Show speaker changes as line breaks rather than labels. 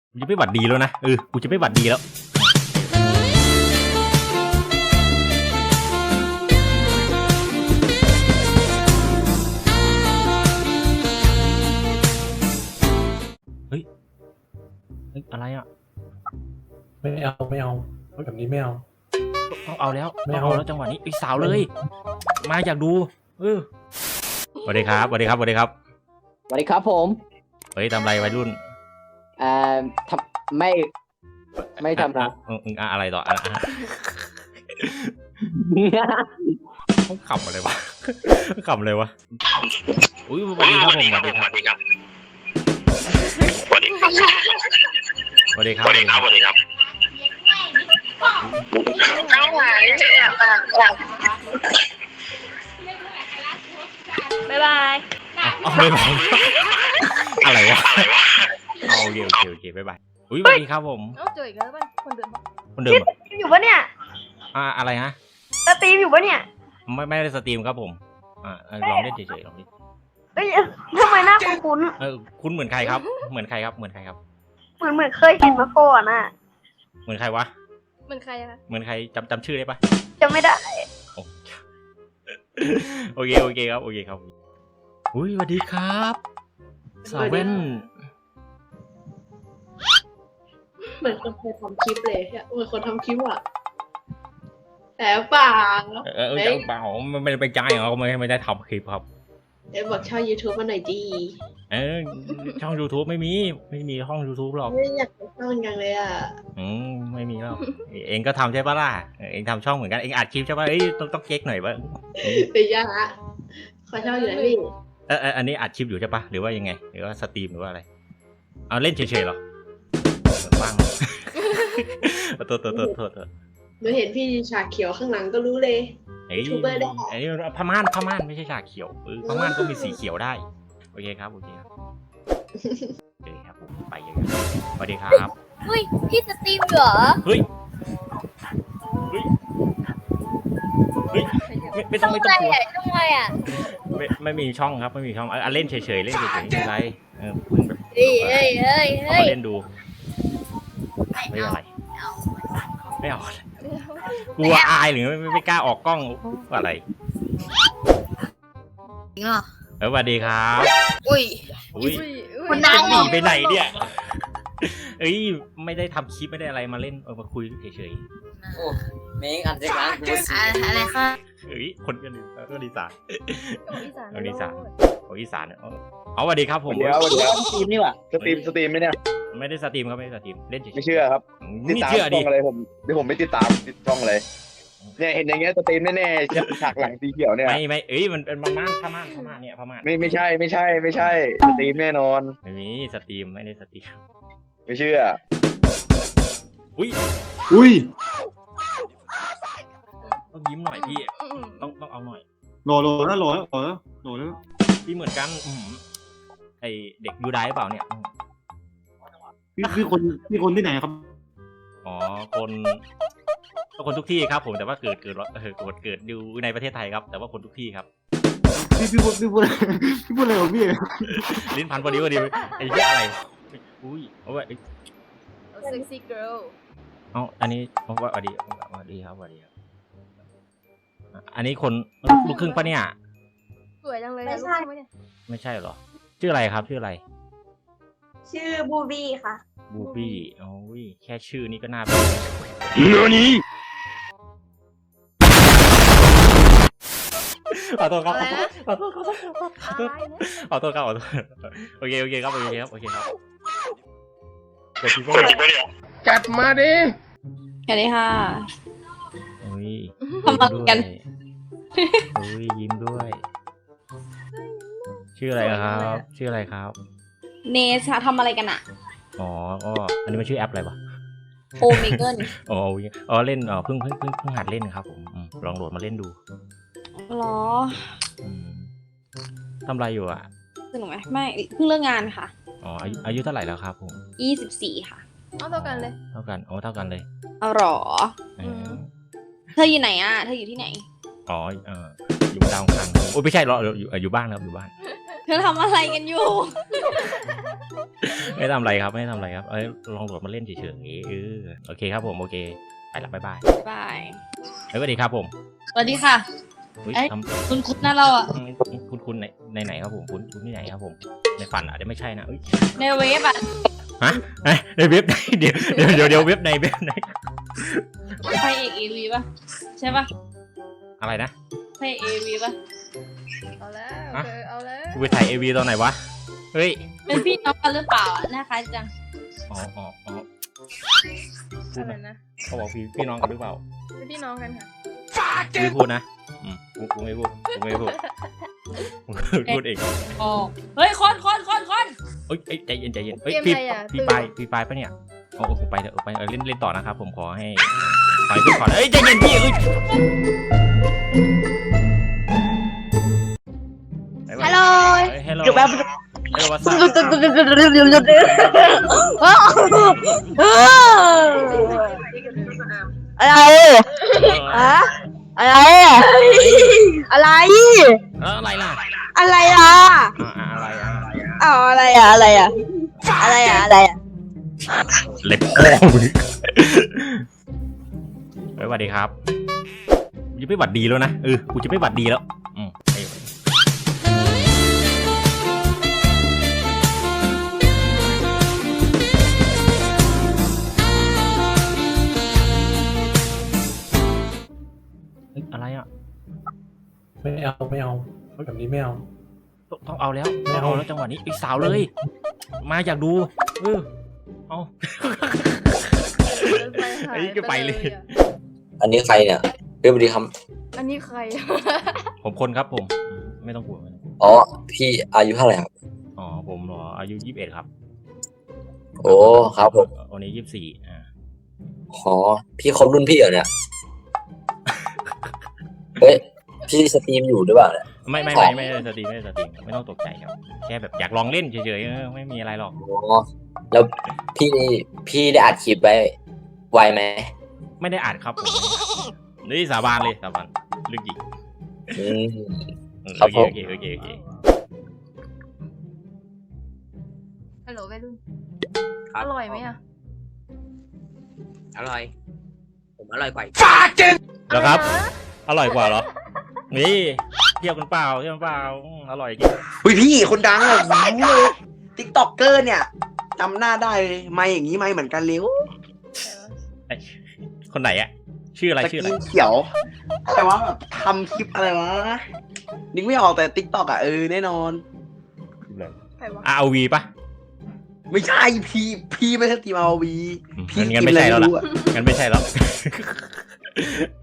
กูจะไม่หวัดดีแล้วนะกูจะไม่หวัดดีแล้วเฮ้ยอะไรอ่ะ
ไม่เอาแบบนี้ไม่เอา
ต้องเอาแล้วไม่เอาแล้วจังหวะนี้ไอ้สาวเลยมาอยากดูสวัสดีครับสวัสดีครับสวัสดีครับ
สวัสดีครับผม
เฮ้ยทำไรวัยรุ่น
ทำไม่ทำนะ
อะไรต่อเขาขำอะไรวะขำเลยวะอุ้ยสวัสดีครับผมสวัสดีครับสวัสดีครับสวัสดีครับสวัสดีครับสวัสดีครับ
เอาหวานบ๊ายบาย
บ๊ายบายอะไรวะโอเคบ๊ายบายอุ้ยสวัสดีครับผม
เจออีกแล้วป่ะคนเดิม
อยู่ปะเนี่ย
อะไรฮะ
สตรีมอยู่ปะเนี่ย
ไม่ได้สตรีมครับผมลองเล่นเฉยๆลองดิ
เอ้ยทำไมหน้าคุ้น
คุณเหมือนใครครับเหมือนใครครับเหมือน
เคยเห็นมาก่อนอ่ะ
เหมือนใครวะ
เหมือนใครอะคะ
เหมือนใครจำชื่อได้ปะ
จำไม่ได้
โอเคครับอุ้ยสวัสดีครับสาวเว้น
เหมือนคนเคยทำคลิปเลยเหมือนคนทำคลิปอ่ะแต่เปล่า
เปล่าไม่ได้ไปจ่ายเขาไม่ได้ทำคลิปครับ
บอกช่อง YouTube มาหน่อยดี
ช่อง YouTube ไม่มีช่อง YouTube หรอก
ไม่อยากไปช่องยังเลยอ่ะ
ไม่มีแล้วเองก็ทำใช่ปะล่ะเองทำช่องเหมือนกันเองอัดคลิปใช่ปะต้องเก๊กหน่อยบ้าง
เป็นยังฮะขอช่องอยู่ไหนพี่
อันนี้อัดคลิปอยู่ใช่ปะหรือว่ายังไงหรือว่าสตรีมหรือว่าอะไรเอาเล่นเฉยๆหรอว่างโทษ
หนูเห็นพี่ฉากเขียวข้างหลังก็รู้เลยยูทูบเบอร์ได้
พม่านไม่ใช่ฉากเขียวพม่านก็มีสีเขียวได้โอเคครับผมไปเลยสวัสดีครับ
เฮ้ยพี่สตรีมเหรอ
เฮ้ยไม่ต้อง
ช่องอะไรอ่ะ
ไม่มีช่องครับไม่มีช่องเล่นเฉยๆไม่เป็นไรแบบเอามาเล่นดูไม่อะไรกลัวอายหรือไม่กล้าออกกล้องอะไร
จริงเหรอ
สวัสดีครับ
อุ้ย
คนหนีไปไหนเนี่ยไม่ได้ทำคลิปไม่ได้อะไรมาเล่นมาคุยเฉย
ๆโอ้เมงอันเด็กนะ
อะไรคะ
คนกันอีสานอีสานเอาสวัสดีครับผม
เดี๋ยวสตรีมนี่ว่ะสตรีมไหมเนี่ย
ไม่ได้สตรีมครับไม่ได้สตรีมเล่นเฉย
ไม่เชื่อครับติดตามช่องอะไรผมไม่ติดตามช่องเลยเนี่ยเห็นอย่างเงี้ยสตรีมแน่ๆฉากหลังสีเขียวเนี่ย
ไม่มันเป็นพม่านเนี่ยพม่าน
ไม่ใช่สตรีมแน่นอน
ไม่มีสตรีมไม่ได้สตรีม
ไม่เชื่อ
อุ้ยต้องยิ้มหน่อยพี่ต้องเอาหน่อย
โหล
พี่เหมือนกันไอเด็กยูไดเปล่าเนี่ย
พี่คนที่ไหนครับ
อ๋อคนทุกที่ครับผมแต่ว่าเกิดอยู่ในประเทศไทยครับแต่ว่าคนทุกที่ครับ
พี่พูดอะไรของพี่
ลิ้นพันพอดีไอ้เหี้ยอะไรอุ้ยเอาไว้
sexy girl
อันนี้ผมว่าสวัสดีครับอันนี้คนลูกครึ่งปะเนี่ย
สวยจังเลยไม่
ใช่หรอชื่ออะไรครับชื่ออะไร
ชื่อบูบี้ค่ะ
บูบี้โอ้ยแค่ชื่อนี้ก็น่าเป็นเรื่องนี้ขอโทษครับโอเคครับ
จัดมาดิ
สวัสดีค่ะ
ทำอะไรกันยิ้มด้วยชื่ออะไรครับ
เนชทำอะไรกันอ่ะ
อ๋ออันนี้มันชื่อแอปอะไรวะ
โอเมเกิล
เล่นเพิ่งหัดเล่นครับผมลองโหลดมาเล่นดู
หรอ
ทำอะไรอยู่อ่ะ
สนุกไหมไม่เพิ่งเลิกงานค่ะ
อายุเท่าไหร่แล้วครับผม
24ค่ะ
เท่ากันเลย
เท่ากันเลย
หรอเธออยู่ไหนอ่ะเธออยู่ที่ไหน
อยู่ดาวคันโอ้ไม่ใช่หรออยู่บ้านครับอยู่บ้าน
เธอทำอะไรกันอยู่
ไม่ทำอะไรครับไม่ทำอะไรครับลองโหลดมาเล่นเฉยๆโอเคครับผมโอเคไปละบ๊ายบาย
บาย
สวัสดีครับผม
สวัสดีค่ะ
อุ๊ย
เอ้ย
ทำ
คุณนะเราอ่ะ
คุณในไหนครับผมคุณที่ไหนครับผมในฝันอาจจะไม่ใช่นะเอ้ย
ในเว็บอ่ะ
ฮะในเว็บไหนเดี๋ยวเว็บไหน
ไพเอกเอวีป่ะใช่ป่ะ
อะไรนะ
ไพเอกเอวีป่ะ
เอาแล้ว
ฮะ
เอาแล้ว
กูไปถ่าย AV ตอนไหนวะเฮ้ย
เป็นพี่น้องกันหรือเปล่าอ่ะหน้าคล้ายจัง
อ๋อพูด
อะไร
นะ
นะ
เขาบอกพี่น้องกันหรือเปล่า
เป็นพี่น้องกันค่ะ
ไม่พูดนะกูไม่พูดกูพูดเอง
อ๋อเฮ้ยคน
เอ้ยใจเย็นเอ้ย
เกม
พี่
อะไรอ่ะ
พี่ปลายปะเนี่ยโอ้ผมไปเถอะไปเล่นต่อนะครับผมขอให้ขึ้นก่อนเอ้ยใจเย็นพี่เอ้ย
ฮัลโหล
ฮัลโหล
อยู่แบบ
ฮัลโหลวัสดุ
อะไรอะอะไรอะไร
อะไรล่ะ
อะไรอ่ะ
อะไรอ่ะ
เอาอะไรอ่ะอะไรอ่ะอะไรอ่ะอะไรอ่ะ
เล็บพ่อมึงสวัสดีครับกูจะไม่หวัดดีแล้วนะกูจะไม่หวัดดีแล้วอะไรอ่ะ
ไม่เอาแบบนี้ไม่เอา
ต้องเอาแล้วต้องเอาแล้วจังหวะนี้อีกสาวเลย มาอยากดูเอา ไอ้ก็ไปเลย
อันนี้ใครเนี่ยเรียบดีครับ
อันนี้ใคร
ผมคนครับผมไม่ต้องกลัว
อ๋อ พี่อายุเท่าไหร่ครับ
อ๋อผมเหรออายุ21ครับ
โอ้ครับผม
วันนี้24
อ๋อพี่คบรุ่นพี่เหรอเนี่ย เฮ้ย พี่สตรีมอยู่หรือเปล่าเนี่ย
ไม่ได้สตรีมไม่ต้องตกใจครับแค่แบบอยากลองเล่นเฉยๆไม่มีอะไรหรอก
อ๋อ แล้วพี่ได้อัดคลิปไวไหม
ไม่ได้อัดครับผมนี่สาบานเลยสาบานเรื่องจริง
อืม ค
โอ
รับ
เค
ผม
โอเค
ฮัลโหลวัยรุ่น
ครับ
อร่อยไหมอ่ะ
อร่อย ผมอร่อยกว่า
แล้วครับ
อะไรนะ
อร่อยกว่าเหรอนี่เทียบกันเปล่าอร่อยจริง
อุ้ยพี่คนดังอ่ะรู้เลยติ๊กต็อกเกอร์เนี่ยจำหน้าได้เลยไม่อย่างนี้ไม่เหมือนกันเร็ว
คนไหนอะชื่ออะไร
ตะ
ชื่ออะไร
กี้เขียว แต่ว่าแบบทำคลิปอะไรวะนึกไม่ออกแต่ติ๊กต็อกอ่ะแน่นอน
ใครวะ
RV ปะ
ไม่ใช่พี่ไม่ใช่ทีมเอาวีพี่
งั้นไม่ใช่แล้วล่ะ
อะ
งั้นไม่ใช่แล้ว